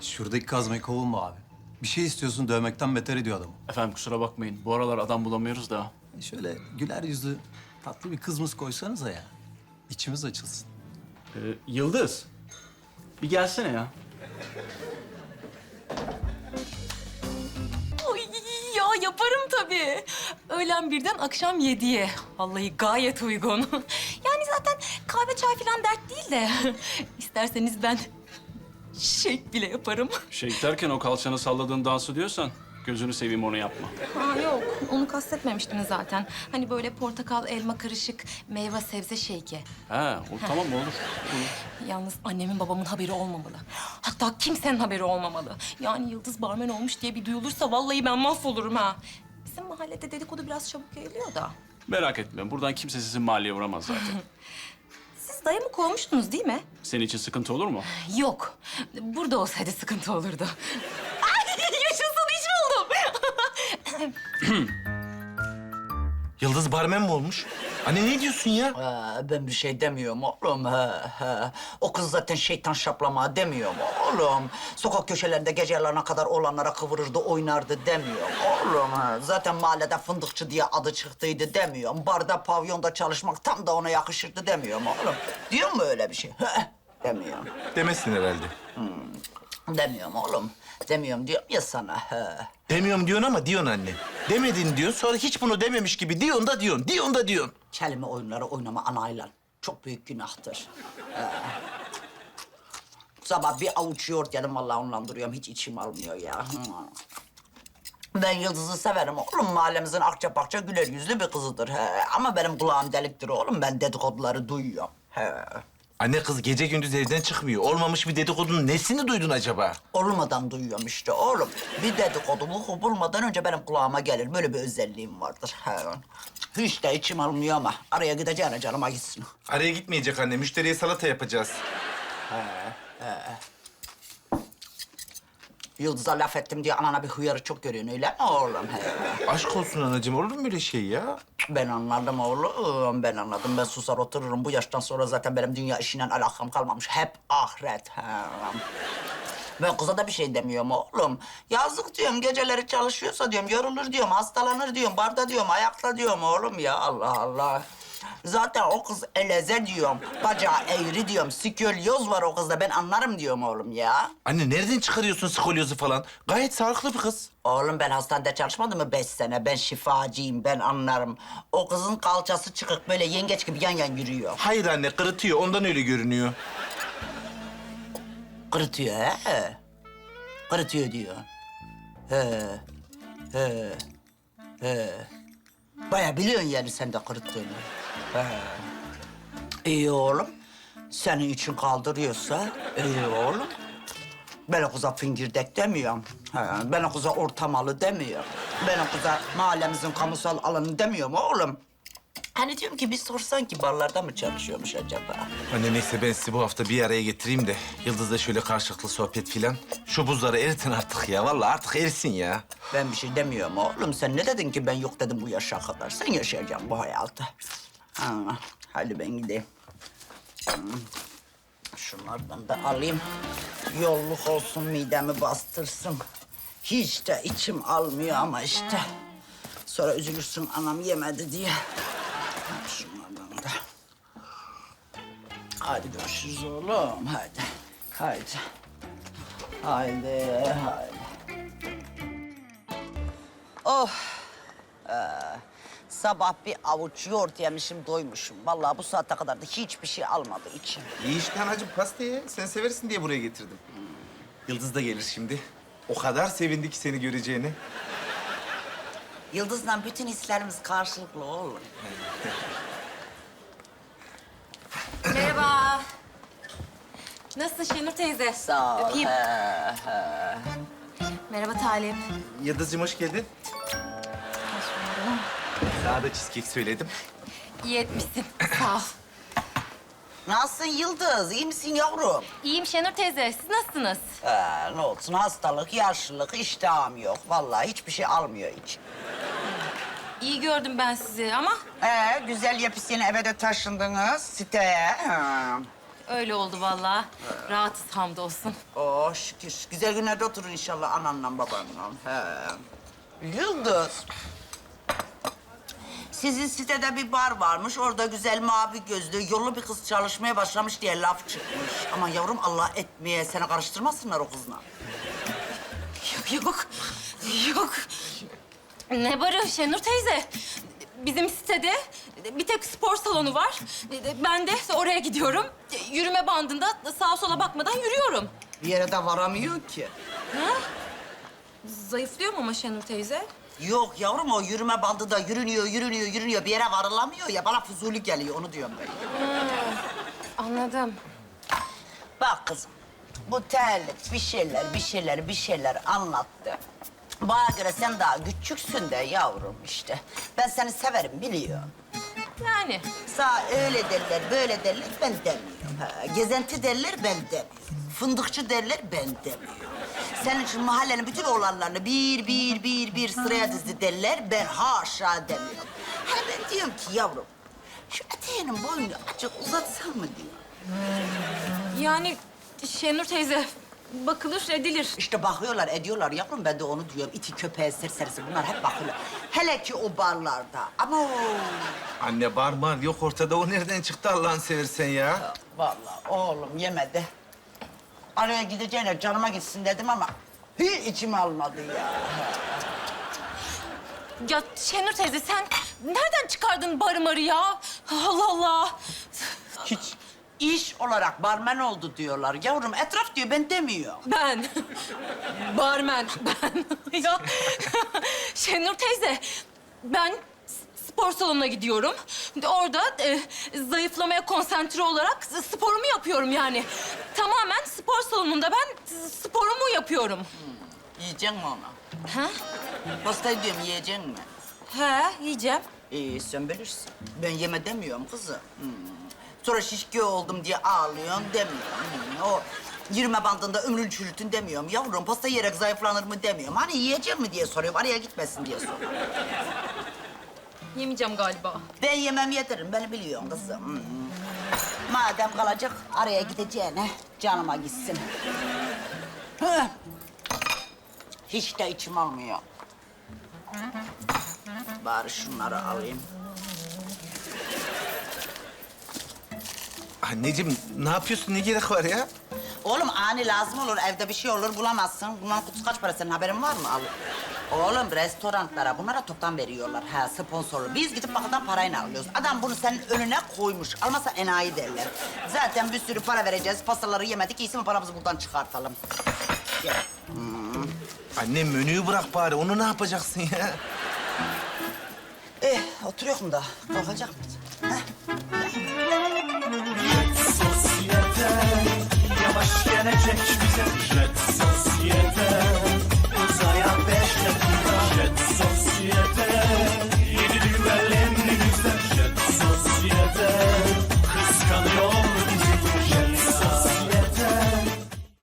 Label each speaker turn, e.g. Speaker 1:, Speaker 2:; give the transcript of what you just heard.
Speaker 1: Şuradaki kazmayı kovulma abi. Bir şey istiyorsun dövmekten beter ediyor adamı.
Speaker 2: Efendim kusura bakmayın. Bu aralar adam bulamıyoruz da.
Speaker 1: Şöyle güler yüzlü tatlı bir kızımız koysanıza ya. İçimiz açılsın.
Speaker 2: Yıldız. Bir gelsene ya.
Speaker 3: Ay ya yaparım tabii. Öğlen birden akşam 7'ye. Vallahi gayet uygun. Yani zaten kahve çay falan dert değil de. İsterseniz ben shake bile yaparım.
Speaker 2: Şey derken o kalçanı salladığın dansı diyorsan gözünü seveyim onu yapma.
Speaker 3: Ha yok, onu kastetmemiştim zaten. Hani böyle portakal, elma karışık, meyve sebze shake'i.
Speaker 2: He, o tamam olur. Olur.
Speaker 3: Yalnız annemin babamın haberi olmamalı. Hatta kimsenin haberi olmamalı. Yani Yıldız barmen olmuş diye bir duyulursa vallahi ben mahvolurum ha. Bizim mahallede dedikodu biraz çabuk yayılıyor da.
Speaker 2: Merak etme. Buradan kimse sizin mahalleye uğramaz zaten.
Speaker 3: Siz dayımı kovmuştunuz değil mi?
Speaker 2: Senin için sıkıntı olur mu?
Speaker 3: Yok. Burada olsaydı sıkıntı olurdu. Ay yaşasın iş buldum.
Speaker 4: Yıldız barmen mi olmuş? Anne ne diyorsun ya?
Speaker 5: Ben bir şey demiyorum oğlum. O kız zaten şeytan şaplama demiyorum oğlum. Sokak köşelerinde gece yarılarına kadar olanlara kıvırırdı, oynardı demiyorum oğlum. Zaten mahallede fındıkçı diye adı çıktıydı demiyorum. Barda, pavyonda çalışmak tam da ona yakışırdı demiyorum oğlum. Diyor mu öyle bir şey? Demiyorum.
Speaker 4: Demesin herhalde.
Speaker 5: Demiyorum oğlum. Demiyorum diyorum ya sana.
Speaker 4: Demiyorum diyorsun ama diyorsun anne. Demedin diyorsun, sonra hiç bunu dememiş gibi diyorsun da diyorsun, diyorsun da diyorsun.
Speaker 5: Kelime oyunları oynama anayla. Çok büyük günahtır. Sabah bir avuç yoğurt yedim vallahi ondan duruyorum. Hiç içim almıyor ya. Ben Yıldız'ı severim oğlum. Mahallemizin akça pakça güler yüzlü bir kızıdır. Ama benim kulağım deliktir oğlum. Ben dedikoduları duyuyorum.
Speaker 4: Anne kız gece gündüz evden çıkmıyor. Olmamış bir dedikodunun nesini duydun acaba?
Speaker 5: Olmadan duyuyorum işte oğlum. Bir dedikodu vuku bulmadan önce benim kulağıma gelir. Böyle bir özelliğim vardır. Hiç de içim almıyor ama araya gideceğine canıma gitsin.
Speaker 4: Araya gitmeyecek anne, müşteriye salata yapacağız.
Speaker 5: Yıldız'a laf ettim diye anana bir hıyarı çok görüyorsun öyle mi oğlum?
Speaker 4: Aşk olsun anacığım, olur mu öyle şey ya?
Speaker 5: Ben anladım oğlum, ben anladım. Ben susar otururum. Bu yaştan sonra zaten benim dünya işiyle alakam kalmamış. Hep ahiret. Ben kıza da bir şey demiyorum oğlum. Yazık diyorum, geceleri çalışıyorsa diyorum, yorulur diyorum, hastalanır diyorum, barda diyorum, ayakta diyorum oğlum ya. Allah Allah. Zaten o kız eleze diyorum, bacağı eğri diyorum, sikölyoz var o kızda. Ben anlarım diyorum oğlum ya.
Speaker 4: Anne nereden çıkarıyorsun skolyozu falan? Gayet sağlıklı bir kız.
Speaker 5: Oğlum ben hastanede çalışmadım mı 5 sene? Ben şifacıyım, ben anlarım. O kızın kalçası çıkık böyle yengeç gibi yan yan yürüyor.
Speaker 4: Hayır anne, kırıtıyor, ondan öyle görünüyor.
Speaker 5: Kırıtıyor he? Kırıtıyor diyor. He. Bayağı biliyorsun yani sen de kırıttığını. He. İyi oğlum. Senin için kaldırıyorsa iyi oğlum. Ben o kıza fingirdek demiyorum. He. Ben o kıza ortamalı demiyorum. Ben o kıza mahallemizin kamusal alanı demiyorum oğlum. Hani diyorum ki bir sorsan ki barlarda mı çalışıyormuş acaba?
Speaker 4: Anne neyse ben sizi bu hafta bir araya getireyim de Yıldız'la şöyle karşılıklı sohbet filan. Şu buzları eritin artık ya. Vallahi artık erisin ya.
Speaker 5: Ben bir şey demiyorum oğlum. Sen ne dedin ki ben yok dedim bu yaşa kadar. Sen yaşayacaksın bu hayatı. Hadi ben gideyim. Şunlardan da alayım. Yolluk olsun, midemi bastırsın. Hiç de içim almıyor ama işte. Sonra üzülürsün anam yemedi diye. Şunlardan da. Hadi görüşürüz oğlum. Hadi. Haydi. Sabah bir avuç yoğurt yemişim, doymuşum. Vallahi bu saate kadar da hiçbir şey almadı içim.
Speaker 4: İyi işte anacığım, pasta ye. Sen seversin diye buraya getirdim. Yıldız da gelir şimdi. O kadar sevindi ki seni göreceğini.
Speaker 5: Yıldız'la bütün hislerimiz karşılıklı oğlum.
Speaker 3: Merhaba. Nasılsın Şenur teyze?
Speaker 5: Sağ ol.
Speaker 3: Öpeyim. Merhaba Talip.
Speaker 4: Yıldız'cığım hoş geldin. Sana da cheesecake söyledim.
Speaker 3: İyi etmişsin. Sağ ol.
Speaker 5: Nasılsın Yıldız? İyi misin yavrum?
Speaker 3: İyiyim Şenur teyze. Siz nasılsınız?
Speaker 5: Ne olsun, hastalık, yaşlılık, iştahım yok. Vallahi hiçbir şey almıyor hiç.
Speaker 3: İyi gördüm ben sizi ama
Speaker 5: Güzel yepyeni eve de taşındınız siteye.
Speaker 3: öyle oldu vallahi. Rahatız hamdolsun.
Speaker 5: Oh şükür. Güzel günlerde oturun inşallah ananla babanla. He. Yıldız. Sizin sitede bir bar varmış. Orada güzel mavi gözlü, yollu bir kız çalışmaya başlamış diye laf çıkmış. Ama yavrum Allah etmeye seni karıştırmasınlar o kızla.
Speaker 3: Yok. Yok. Ne barı Şenur teyze? Bizim sitede bir tek spor salonu var. Ben de oraya gidiyorum. Yürüme bandında sağa sola bakmadan yürüyorum.
Speaker 5: Bir yere de varamıyor ki.
Speaker 3: Zayıflıyorum ama Şenur teyze.
Speaker 5: Yok yavrum o yürüme bandı da yürünüyor. Bir yere varılamıyor ya. Bana fuzuli geliyor onu diyorum ben.
Speaker 3: Anladım.
Speaker 5: Bak kızım, bu terlik bir şeyler anlattı. Bana göre sen daha küçüksün de yavrum işte. Ben seni severim biliyorum.
Speaker 3: Yani.
Speaker 5: Sağ öyle derler, böyle derler ben demiyorum. Ha, gezenti derler ben demiyorum. Fındıkçı derler ben demiyorum. Senin için mahallenin bütün oğlanlarını bir sıraya dizdi derler. Ben haşa demiyorum. Ha ben diyorum ki yavrum, şu eteğinin boyunu azıcık uzatsan mı diyor.
Speaker 3: Yani Şenur teyze bakılır edilir.
Speaker 5: İşte bakıyorlar, ediyorlar yavrum. Ben de onu diyorum. İti, köpeği, serserisi bunlar hep bakıyorlar. Hele ki o barlarda. Ama o...
Speaker 4: Anne bar yok ortada. O nereden çıktı Allah'ını seversen ya?
Speaker 5: Vallahi oğlum yemedi. Araya gideceğine canıma gitsin dedim ama hiç içime almadı ya.
Speaker 3: Ya Şenur teyze sen nereden çıkardın barı ya? Allah Allah.
Speaker 5: Hiç iş olarak barmen oldu diyorlar. Yavrum etraf diyor, ben demiyor.
Speaker 3: Ben. Barmen. Ben. Ya Şenur teyze ben spor salonuna gidiyorum. Orada zayıflamaya konsantre olarak sporumu yapıyorum yani. Tamamen spor salonunda ben sporumu yapıyorum.
Speaker 5: Yiyecek mi onu?
Speaker 3: Ha?
Speaker 5: Pastayı diyorum, yiyecek mi?
Speaker 3: He, yiyeceğim.
Speaker 5: İyi, sen bilirsin. Ben yeme demiyorum kızım. Sonra şişki oldum diye ağlıyorsun demiyorum. O yürüme bandında ömrün çürütün demiyorum. Yavrum pasta yiyerek zayıflanır mı demiyorum. Hani yiyecek mi diye soruyorum. Araya gitmesin diye soruyorum.
Speaker 3: Yemeyeceğim galiba.
Speaker 5: Ben yemem yediririm. Beni biliyorsun kızım. Madem kalacak araya gideceğine canıma gitsin. Heh. Hiç de içim almıyor. Bari şunları alayım.
Speaker 4: Anneciğim ne yapıyorsun? Ne gerek var ya?
Speaker 5: Oğlum ani lazım olur, evde bir şey olur bulamazsın. Bunların kutusu kaç para, senin haberin var mı? Al. Oğlum restoranlara bunlara toptan veriyorlar. Ha sponsorlu. Biz gidip bakıdan parayla alıyoruz. Adam bunu senin önüne koymuş. Almasa enayi derler. Zaten bir sürü para vereceğiz. Pastaları yemedik. İyisi mi paramızı buradan çıkartalım. Gel.
Speaker 4: Anne menüyü bırak bari. Onu ne yapacaksın ya?
Speaker 5: Oturuyor da kalkacak mıyız?
Speaker 6: Sosyete yavaş gelecek bize. Red